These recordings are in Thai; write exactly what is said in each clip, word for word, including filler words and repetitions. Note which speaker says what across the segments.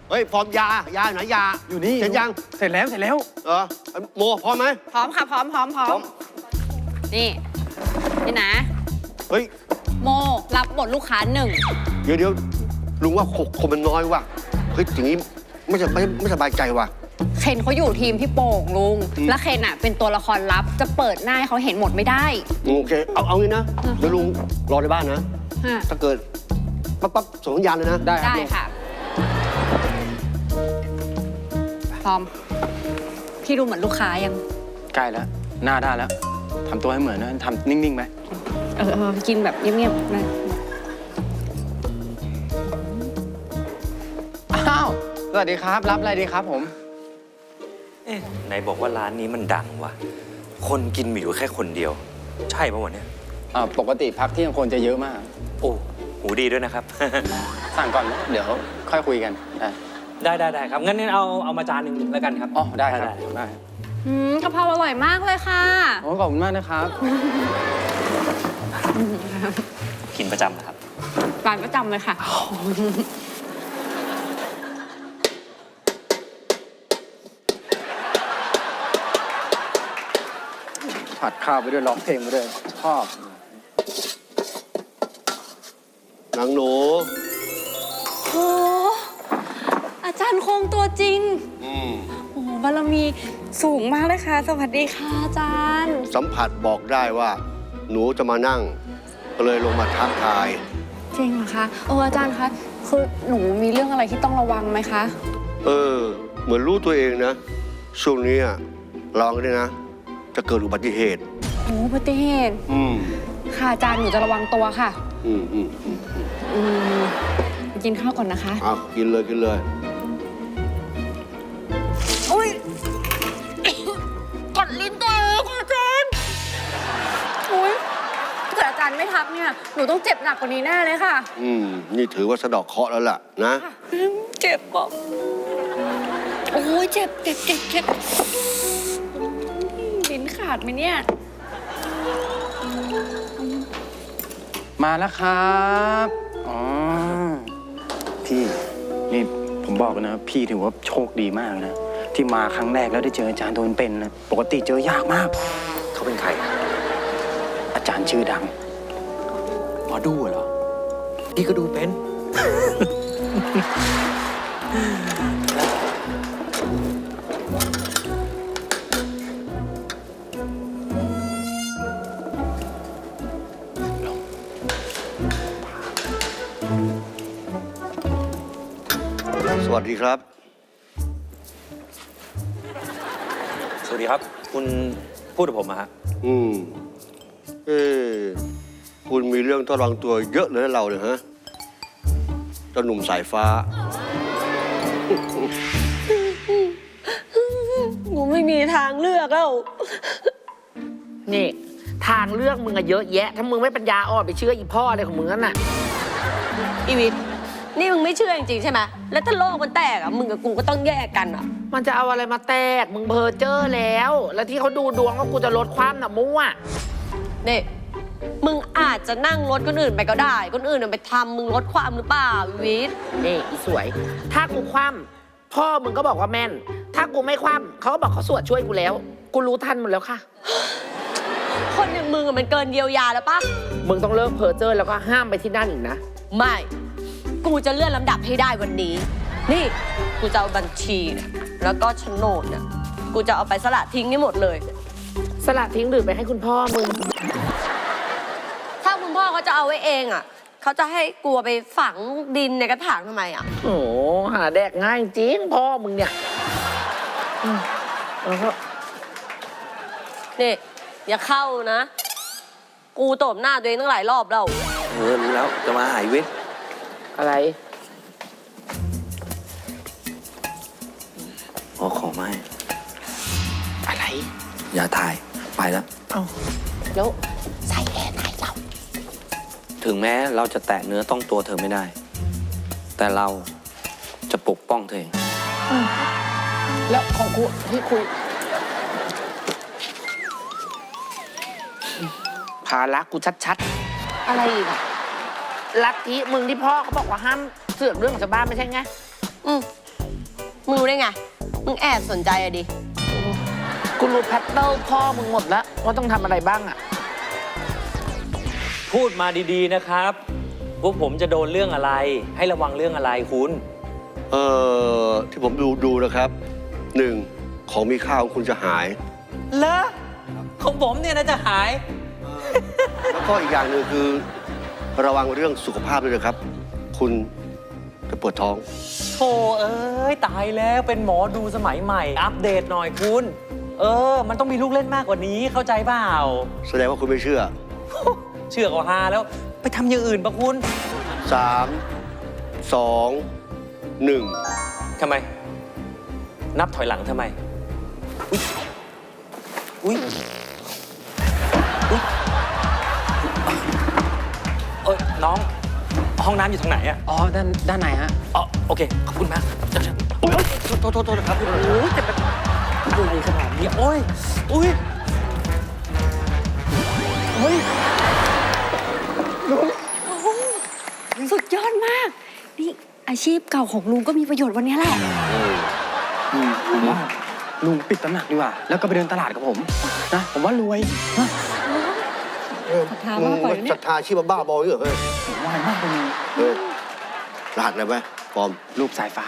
Speaker 1: เฮ้ยฟอร์มยายาไหนยา
Speaker 2: อยู่นี่
Speaker 1: เสร็จยัง
Speaker 2: เสร็จแล้วเสร็จแล้ว
Speaker 1: เออโมพร้อมไหม
Speaker 3: พร้อมค่ะพร้อมพร้อมพร้อมนี่นี่นะ
Speaker 1: เฮ้ย
Speaker 3: โมรับบทลูกค้าหนึ่ง
Speaker 1: เดี๋ยวเดี๋ยวลุงว่าคนมันน้อยว่ะเฮ้ยอย่างนี้ไม่จะไม่ไม่สบายใจว่ะ
Speaker 3: เคนเขาอยู่ทีมพี่โป่งลุง
Speaker 1: อืม
Speaker 3: แล้วเคนอ่ะเป็นตัวละครลับจะเปิดหน้าให้เขาเห็นหมดไม่ได้
Speaker 1: โอเคเอาเอางี้นะเดี๋ยวลุงรอในบ้านนะ
Speaker 3: ฮะ
Speaker 1: ถ้าเกิดปั๊บปั๊บส่งสัญญาณเลยนะ
Speaker 2: ได้ครับ
Speaker 3: ได้
Speaker 2: ลุง
Speaker 3: ค่ะ พร้อม พี่ดูเหมือนลูกค้ายัง
Speaker 2: ใกล้แล้วหน้าได้แล้วทำตัวให้เหมือนนะทำนิ่งๆไหม
Speaker 3: เออเออกินแบบเงียบๆนะ
Speaker 2: อ้าวสวัสดีครับรับอะไรดีครับผม
Speaker 4: เอ๊ะไหนบอกว่าร้านนี้มันดังวะคนกินมีอยู่แค่คนเดียว ใช่ปะวะเนี่ย
Speaker 2: อ่าปกติพักเที่ยงคนจะเยอะมาก
Speaker 4: โอ้หูดีด้วยนะครับ
Speaker 2: สั่งก่อนนะเดี๋ยวค่อยคุยกันได้
Speaker 4: ได้ได้ได้ครับงั้นเอาเอามาจานหนึ่งแล้วกันครับ
Speaker 2: อ๋อได้ครับ
Speaker 4: ได้
Speaker 2: ได้
Speaker 3: อืมกะเพราอร่อยมากเลยค่ะ
Speaker 2: โอ้ขอบคุณมากนะครับ
Speaker 4: กินประจำนะครับ
Speaker 3: ร้านประจำเลยค่ะ
Speaker 2: ผัดข้าวไปด้วยร้องเพลงไปด้วยชอบ
Speaker 1: นางหนู
Speaker 3: โอ้อาจารย์คงตัวจริง
Speaker 1: อืม
Speaker 3: โอ้บารมีสูงมากเลยค่ะ สวัสดีค่ะอาจารย์
Speaker 1: สัมผัสบอกได้ว่า หนูจะมานั่ง ก็เลยลงมาทักทาย
Speaker 3: จริงเหรอคะเอออาจารย์คะคือหนูมีเรื่องอะไรที่ต้องระวังไหมคะ
Speaker 1: เออ เหมือนรู้ตัวเองนะ ช่วงนี้อะลองด้วยนะ จะเกิดอุบัติเหตุ
Speaker 3: โอ้อุบัติเหตุ
Speaker 1: อืม
Speaker 3: ค่ะอาจารย์หนูจะระวังตัวค่ะ
Speaker 1: อืมอืมอืม
Speaker 3: อืมไปกินข้าวก่อนนะคะ
Speaker 1: เอากินเลยกินเลย
Speaker 3: อุ้ยกดลิ้นตัวเองค่ะอาจารย์อุ้ยถ้าเกิดอาจารย์ไม่ทักเนี่ยหนูต้องเจ็บหนักกว่านี้แน่เลยค่ะ
Speaker 1: อืม นี่ถือว่าสะเดอกเคราะห์แล้วล่ะนะ
Speaker 3: เจ็บบอกโอ้ยเจ็บเจ็บเจ็บเจ็บลิ้นขาดไหมเนี่ย
Speaker 2: มาแล้วครับอ๋อพี่นี่ผมบอกเลยนะพี่ถือว่าโชคดีมากนะที่มาครั้งแรกแล้วได้เจออาจารย์ตัวเป็นๆนะปกติเจอยากมาก
Speaker 4: เขาเป็นใคร
Speaker 2: อาจารย์ชื่อดัง
Speaker 4: หมอดูเหรอพี่ก็ดูเป็น
Speaker 1: สวัสดีครับ
Speaker 4: สวัสดีครับ คุณพูดกับผมอะฮะ
Speaker 1: อืม เอ้คุณมีเรื่องต้องระวังตัวเยอะเลยนะเราเนี่ยฮะเจ้าหนุ่มสายฟ้า
Speaker 5: หนูไม่มีทางเลือกแล้ว
Speaker 6: นี่ทางเลือกมึงอะเยอะแยะ ถ้ามึงไม่ปัญญาอ่อนไปเชื่ออีพ่ออะไรของมึงนั่นน่ะ
Speaker 5: อีวิทย์นี่มึงไม่เชื่อจริงๆใช่ไหมแล้วถ้าโลกมันแตกอ่ะ มึงกับกูก็ต้องแยกกันอ่ะ
Speaker 6: มันจะเอาอะไรมาแตก มึงเพอเจอร์แล้ว แล้วที่เขาดูดวงว่ากูจะลดความน่ะมั่ว
Speaker 5: นี่ มึงอาจจะนั่งรถคนอื่นไปก็ได้ คนอื่นน่ะไปทำมึงลดความหรือเปล่าอีวิทย์
Speaker 6: นี่อีสวย ถ้ากูคว่ำพ่อมึงก็บอกว่าแม่น ถ้ากูไม่คว่ำเขาก็บอกเขาสวดช่วยกูแล้ว กูรู้ทันหมดแล้วค่ะ
Speaker 5: คนอย่างมึงอะมันเกินเยียวยาแล้วปะ
Speaker 6: มึงต้องเลิกเพอเจอร์แล้วก็ห้ามไปที่นั่นอีกนะ
Speaker 5: ไม่ กูจะเลื่อนลำดับให้ได้วันนี้ นี่ กูจะเอาบัญชีเนี่ยแล้วก็โฉนดเนี่ย กูจะเอาไปสละทิ้งให้หมดเลย
Speaker 6: สลัดทิ้งหรือไปให้คุณพ่อมึง
Speaker 5: ถ้าคุณพ่อเขาจะเอาไว้เองอ่ะ เขาจะให้กูเอาไปฝังดินในกระถางทำไมอ่ะ
Speaker 6: โอ้โหหาแดกง่ายจริงพ่อมึงเนี่ยอืมแล้วก็
Speaker 5: นี่ อย่าเข้านะ กูตบหน้าตัวเองตั้งหลายรอบแล้ว
Speaker 4: เออรู้แล้วจะมาหายเวท
Speaker 6: อะไร
Speaker 4: อ๋อของไม่
Speaker 6: อะไร
Speaker 4: อย่าถ่ายไปแล้ว
Speaker 6: เอ้าแล้วใส่แค่ไหนเรา
Speaker 4: ถึงแม้เราจะแตะเนื้อต้องตัวเธอไม่ได้ แต่เราจะปกป้องเธอเอง
Speaker 6: แล้วของกูที่คุยภาระกูชัดๆ อะไรอีกอะลัทธิมึงที่พ่อเขาบอกว่าห้ามเสือกเรื่องของชาวบ้านไม่ใช่ไง
Speaker 5: อืมมึงรู้ได้ไง มึงแอบสนใจอะดิ
Speaker 6: กูรู้แพทเทิร์นพ่อมึงหมดแล้วว่าต้องทำอะไรบ้างอะ
Speaker 7: พูดมาดีๆนะครับพวกผมจะโดนเรื่องอะไร ให้ระวังเรื่องอะไรคุณ
Speaker 1: เอ่อที่ผมดูดูนะครับหนึ่งของมีค่าของคุณจะหาย
Speaker 7: เลอของผมเนี่ยนะจะหาย
Speaker 1: แล้วก็อีกอย่างหนึ่งคือระวังเรื่องสุขภาพด้วยนะครับ คุณจะปวดท้อง
Speaker 7: โธ่เอ้ย ตายแล้วเป็นหมอดูสมัยใหม่ อัปเดตหน่อยคุณ เออ มันต้องมีลูกเล่นมากกว่านี้เข้าใจเปล่า
Speaker 1: แสดงว่าคุณไม่เชื่อ
Speaker 7: เชื่อก็ฮาแล้ว ไปทำอย่างอื่นปะคุณ
Speaker 1: สาม สอง หนึ่ง
Speaker 7: ทำไม นับถอยหลังทำไม อุ้ยอุ้ยเอ้ยน้อง ห้องน้ำอยู่ตรงไหนอะ
Speaker 2: อ๋อ ด้านด้านไหนฮะ
Speaker 7: อ๋อโอเค ขอบคุณมากเจ้าชาย
Speaker 1: โอ้ยโทษโทษโทษนะครับ
Speaker 7: โอ้ยจะเป็นอะไรขนาดนี้โอ้ย อุ้ย
Speaker 3: สุดยอดมาก นี่อาชีพเก่าของลุงก็มีประโยชน์วันนี้แหละ
Speaker 2: อืมผมว่าลุงปิดตำหนักดีกว่า แล้วก็ไปเดินตลาดกับผมนะผมว่ารวยนะ
Speaker 3: ศรัทธามากกว่าเนี่ย
Speaker 1: ศรัทธาชีพบ้าบอเหรอเฮ้ย
Speaker 2: ผมว่ามากเลย
Speaker 1: เฮ้ยรหัสอะไรไหมปลอม
Speaker 2: รูปสายฟ้า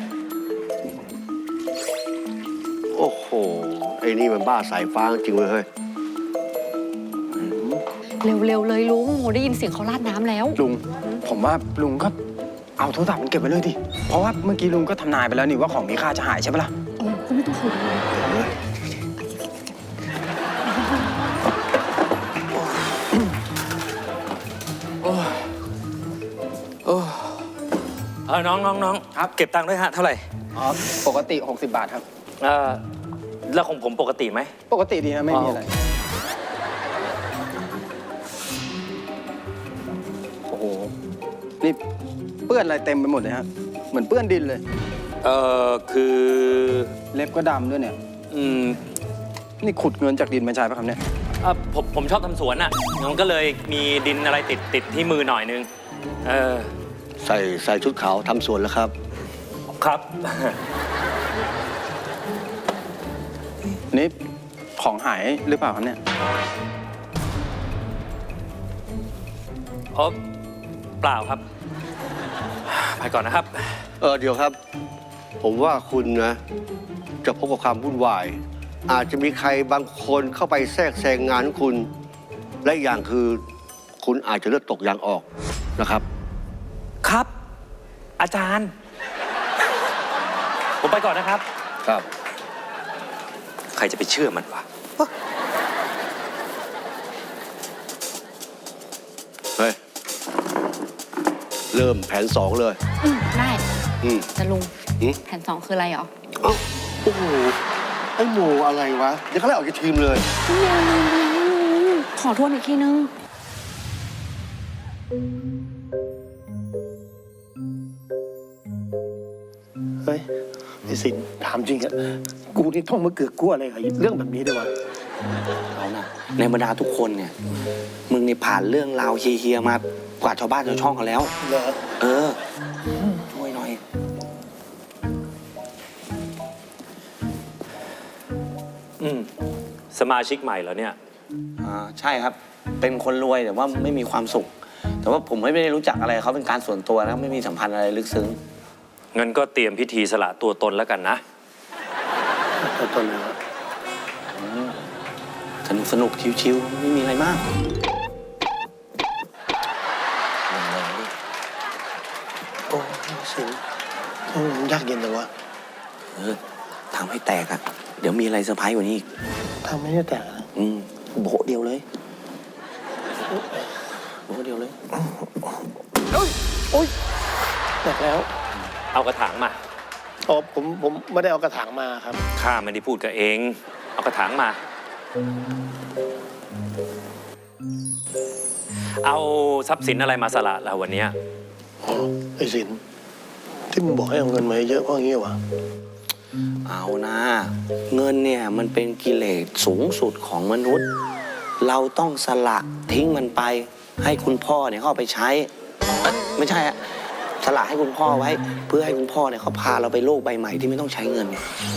Speaker 1: โอ้โห ไอ้นี่มันบ้าสายฟ้าจริงเว้ยเฮ้ย
Speaker 3: เร็วๆเลยลุงโหได้ยินเสียงเขาราดน้ำแล้ว
Speaker 2: ลุง ผมว่าลุงก็เอาโทรศัพท์มันเก็บไว้เลยดิ เพราะว่าเมื่อกี้ลุงก็ทำนายไปแล้วนี่ว่าของมีค่าจะหายใช่ปะล่ะ
Speaker 3: เออก็ไม่ต้องห่วงเลย
Speaker 7: เออน้องน้องน้อง
Speaker 2: ครับ
Speaker 7: เก็บตังค์ด้วยฮะ เท่าไหร่
Speaker 2: อ๋อ ปกติ หกสิบบาทครับ
Speaker 7: เออแล้วของผมปกติไหม
Speaker 2: ปกติดีนะไม่มีอะไร โอ้โห นี่เปื้อนอะไรเต็มไปหมดเลยฮะ เหมือนเปื้อนดินเลย
Speaker 7: เออคือ
Speaker 2: เล็บก็ดำด้วยเนี่ย
Speaker 7: อืม
Speaker 2: นี่ขุดเงินจากดินมาใช้ปะครับเนี่ย
Speaker 7: เอ่อผมผมชอบทำสวนอ่ะมันก็เลยมีดินอะไรติดติดที่มือหน่อยนึง เออ
Speaker 1: ใส่ใส่ชุดขาวทำสวนแล้วครับ
Speaker 7: ครับ
Speaker 2: นี่ของหายหรือเปล่าครับเนี่ย
Speaker 7: อ๋อเปล่าครับ ไปก่อนนะครับ
Speaker 1: เออเดี๋ยวครับ ผมว่าคุณนะ จะพบกับความวุ่นวาย อาจจะมีใครบางคนเข้าไปแทรกแซงงานของคุณ และอีกอย่างคือ คุณอาจจะเลือดตกยางออกนะครับ
Speaker 7: ครับ อาจารย์ ผมไปก่อนนะครับ
Speaker 1: ครับ
Speaker 7: ใครจะไปเชื่อมันวะ
Speaker 1: เฮ้ย เริ่มแผนสองเลย
Speaker 3: อืมได้
Speaker 1: อืม
Speaker 3: แต่ลุง
Speaker 1: อืม
Speaker 3: แผนสองคืออะไรเหรอ
Speaker 1: เอ้าโอ้โห ไอ้หมูอะไรวะ เดี๋ยวเขาไล่ออกจากทีมเลย
Speaker 3: ขอทวนอีกทีนึง
Speaker 8: เฮ้ยไอ้สินถามจริงอะกูนี่ท่องมะเกือกกลัวอะไรกับเรื่องแบบนี้ด้วยวะ
Speaker 4: เอานะในบรรดาทุกคนเนี่ย มึงนี่ผ่านเรื่องราวเฮียๆมากว่าชาวบ้านชาวช่องกันแล้ว
Speaker 8: เหรอ
Speaker 4: เออช่วยหน่อย
Speaker 7: อืม สมาชิกใหม่เหรอเนี่ย
Speaker 4: อ่าใช่ครับ เป็นคนรวยแต่ว่าไม่มีความสุข แต่ว่าผมไม่ได้รู้จักอะไรเขาเป็นการส่วนตัวนะไม่มีสัมพันธ์อะไรลึกซึ้ง
Speaker 7: งั้นก็เตรียมพิธีสละตัวตนแล้วกันนะ
Speaker 8: ตัวตนเลยวะ
Speaker 4: สนุกสนุกชิวๆไม่มีอะไรมาก
Speaker 8: โอ้สินทำไมมันยากเย็นจังวะ
Speaker 4: เออทำให้แตกอะเดี๋ยวมีอะไรเซอร์ไพรส์กว่านี้อีก
Speaker 8: ทำไม่ได้แต่งนะ
Speaker 4: อืมโบะเดียวเลยโบะเดียวเลย
Speaker 8: แตกแล้ว
Speaker 7: เอากระถางมา
Speaker 8: อ๋อผมผมไม่ได้เอากระถางมาครับ
Speaker 7: ข้าไม่ได้พูดกับเอง เอากระถางมา เอาทรัพย์สินอะไรมาสละเราวันเนี้ย
Speaker 8: อ๋อไอ้สินที่มึงบอกให้เอาเงินมาเยอะเพราะงี้วะ
Speaker 4: เอานะเงินเนี่ยมันเป็นกิเลสสูงสุดของมนุษย์ เราต้องสละทิ้งมันไป ให้คุณพ่อเนี่ยเขาเอาไปใช้เอ้ยไม่ใช่อะทสละให้คุณพ่อไว้ เพื่อให้คุณพ่อเนี่ยเขาพาเราไปโลกใบใหม่ที่ไม่ต้องใช้เงิน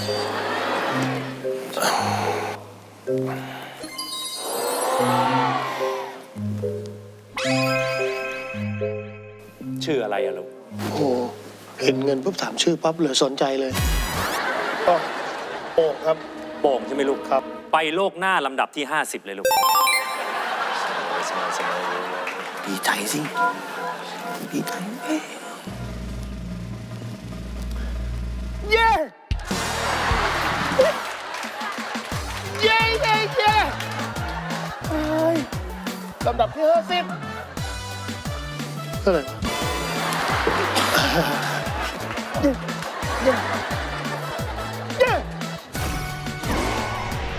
Speaker 7: ชื่ออะไรอะลูก
Speaker 8: โอ้โหเห็นเงินปุ๊บถามชื่อปั๊บเลยสนใจเลยก็โอ่งครับ
Speaker 7: โป่งใช่ไหมลูก
Speaker 8: ครับ
Speaker 7: ไปโลกหน้าลำดับที่ ห้าสิบ เลยลูก
Speaker 4: ดีใจสิ ดีใจ
Speaker 8: เย้เย้เย้เย้เฮ้ยลำดับที่ห้าสิบเท่าไหร่วะ